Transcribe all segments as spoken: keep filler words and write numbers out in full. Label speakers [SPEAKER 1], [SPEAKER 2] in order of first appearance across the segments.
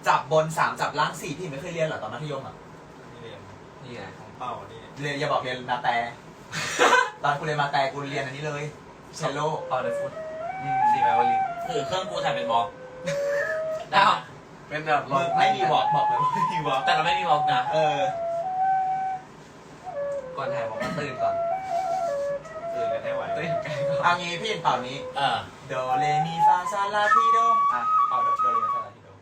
[SPEAKER 1] จับบนสามจับล่างสี่พี่ไม่เคยเรียนเหรอตอนมัธยมอ่ะ
[SPEAKER 2] นี่เรียน
[SPEAKER 3] นี่ไง
[SPEAKER 2] ของเป้านี่
[SPEAKER 1] เรียนอย่าบอกเรียนมาแต่ ตอนกูเรียนมาแต่กูเรียนอันนี้เลยเชลโล
[SPEAKER 3] เอาเลยฟุต
[SPEAKER 1] อืม
[SPEAKER 3] สีแมวลิน
[SPEAKER 4] คือเครื่องกูถ่ายเป็นบล็อก
[SPEAKER 3] ดาวเป็นแบบ
[SPEAKER 1] มึงไม่มีบอกบอกเลยไม่มีบอก
[SPEAKER 4] แต่เราไม่มีบล็อกนะ
[SPEAKER 1] เออ
[SPEAKER 3] ก่อนถ่ายบอกว่าตื่นก่อน
[SPEAKER 2] ตื่นกันให้ไหว
[SPEAKER 3] ตื่นใกล้ก่อน
[SPEAKER 1] เอางี้พี่เป่านี้
[SPEAKER 4] เออ
[SPEAKER 1] โดเรมีฟาซาลาทีโดอ่ะเป่าโดโดเรมีฟาซาลาทีโด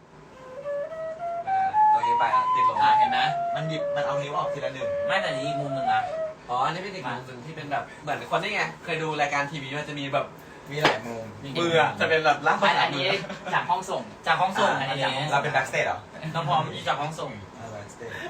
[SPEAKER 3] ตัวนี้ไปอ่ะติดลม
[SPEAKER 4] อ่ะเห็นไหม
[SPEAKER 1] มันหยิบมันเอานิ้วออกทีละหนึ่ง
[SPEAKER 4] ไม่แต่นี้อีกมุมหนึ่งนะ
[SPEAKER 3] อ๋ออันนี้เป็นอีกมุมหนึ่งที่เป็นแบบเหมือนคนนี่ไงเคยดูรายการทีวีมันจะมีแบบ
[SPEAKER 1] มีหลายมุม
[SPEAKER 3] มืออะจะเป็นแบบล่าง
[SPEAKER 5] ไม่อันนี้จากห้องส่ง
[SPEAKER 4] จากห้องส่งอัน
[SPEAKER 5] อ่ะ
[SPEAKER 4] นี้
[SPEAKER 1] เราเป็นแบ็กสเตจเหรอ
[SPEAKER 4] น้องพร้อมอยู่จากห้องส่ง
[SPEAKER 1] อ่าแบ็กสเตจ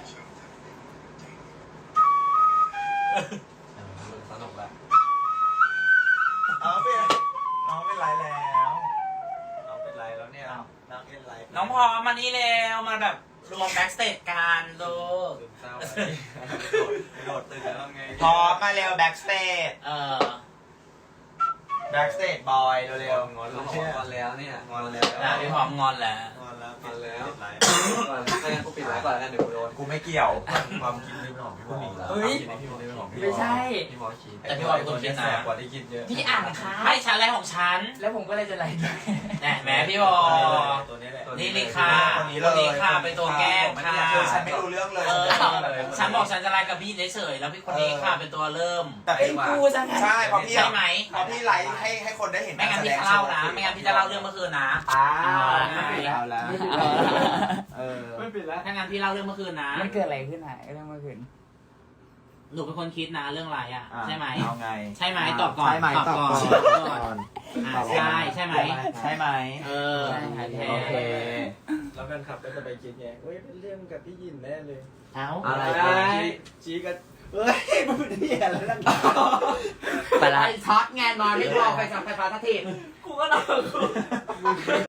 [SPEAKER 3] สนุกแหละ
[SPEAKER 1] เอาเป็นน้องเป็นไรแล้ว
[SPEAKER 2] น้องเป็นไรแล้วเนี่ย
[SPEAKER 1] น้องเป็นไร
[SPEAKER 4] น้องพร้อมมานี่แล้วมาแบบรวมแบ็กสเตจกันดู
[SPEAKER 2] ซึมเศร้าโดดตื่นแล้วทำไง
[SPEAKER 1] พร้อมมาเร็วแบ็กสเตจ
[SPEAKER 4] เออ
[SPEAKER 1] แบ็กสเตจบอยเร็ว
[SPEAKER 2] งอน
[SPEAKER 3] เรา
[SPEAKER 2] แล้ว
[SPEAKER 3] บอกก่อนแล้วเนี่ย
[SPEAKER 2] งอนแล้ว
[SPEAKER 4] แต่พี่พร้อมงอนแล้ว
[SPEAKER 2] งอนแล้ว
[SPEAKER 3] งอนแล้ว
[SPEAKER 2] ปิดไลน์
[SPEAKER 3] ก่อนไม่งั้นกูปิดไลฟ์ก่อนแล้วกันเดี๋ยวกูโดน
[SPEAKER 1] ๆกูไม่เกี่ยว
[SPEAKER 2] ความคิดนี่เป็นของพี่ผู้หญิงแล้ว
[SPEAKER 5] เฮ้ย
[SPEAKER 2] พี่ผู้หญิงเป็นของพี่
[SPEAKER 5] ไม่ใช่
[SPEAKER 3] พี่หมอคิด
[SPEAKER 4] แต่พี่บอยเป็นคนคิดนะ
[SPEAKER 2] แสบกว่าที่คิดเยอะ
[SPEAKER 5] พี่อ่านค่ะ
[SPEAKER 4] ไม่ชั้นแรกของฉัน
[SPEAKER 5] แล้วผมก็เลยจะไลฟ์ด้วย
[SPEAKER 4] แหมแหมพี่บอ
[SPEAKER 2] ตัวนี้แหละ
[SPEAKER 4] นี่นี่ค่ะ
[SPEAKER 1] คนนี้เลย
[SPEAKER 4] นี่ค่ะเป็นตัวแกล้งค่ะ
[SPEAKER 1] คือฉันไม่รู้เรื่องเลย
[SPEAKER 4] เออ
[SPEAKER 1] เลย
[SPEAKER 4] ฉันบอกฉันจะไลฟ์กับพี่เฉยๆแล้วพี่คนนี้ค่ะเป็นตัวเริ่ม
[SPEAKER 1] แต่
[SPEAKER 5] ไอ้
[SPEAKER 1] พี่
[SPEAKER 5] กูจังไง
[SPEAKER 1] ใช่เพราะพี่
[SPEAKER 4] ใช่ไหม
[SPEAKER 1] เพราะพี่ไลฟ์ให้ให้คนได้เห็น
[SPEAKER 4] ไม่งั้นพี่จะเล่านะ ไม่งั้นพี่จะเล่าเรื่องเมื่อคืนนะ
[SPEAKER 1] อ้า
[SPEAKER 4] เอา
[SPEAKER 1] วแล้ว
[SPEAKER 5] เอาละ
[SPEAKER 1] เออ
[SPEAKER 3] ไม่ปิดแล้ว
[SPEAKER 4] ถ้างั้นพี่เล่าเรื่องเมื่อคืนนะ
[SPEAKER 5] มันเกิดอะไรขึ้นหายเรื่องเมื่อคืน
[SPEAKER 4] หนูเป็นคนคิดนะเรื่องอะไรอ่ะ ใช่ไหม
[SPEAKER 1] เอาไง
[SPEAKER 4] ใช่ไหมตอบก่อน
[SPEAKER 1] ใช่ไหมตอบก่อน
[SPEAKER 4] ตอบก่อนอ่ะใช่ใช่ไหม
[SPEAKER 1] ใช่ไหม
[SPEAKER 4] เออ
[SPEAKER 1] โอเค
[SPEAKER 2] แล้วแฟนคลับก็จะไปคิดไงเฮ้ยเป็นเรื่องกับพี่ยินแน่เลย
[SPEAKER 4] เอา
[SPEAKER 1] อะไร
[SPEAKER 2] ชี้กันเฮ้ยมันเป็นเหี้ยแล้วนั่น
[SPEAKER 5] ไปละ
[SPEAKER 4] ช็อตไงนอนไม่พอไปกับไฟฟ้าทัที
[SPEAKER 5] กูก็นอน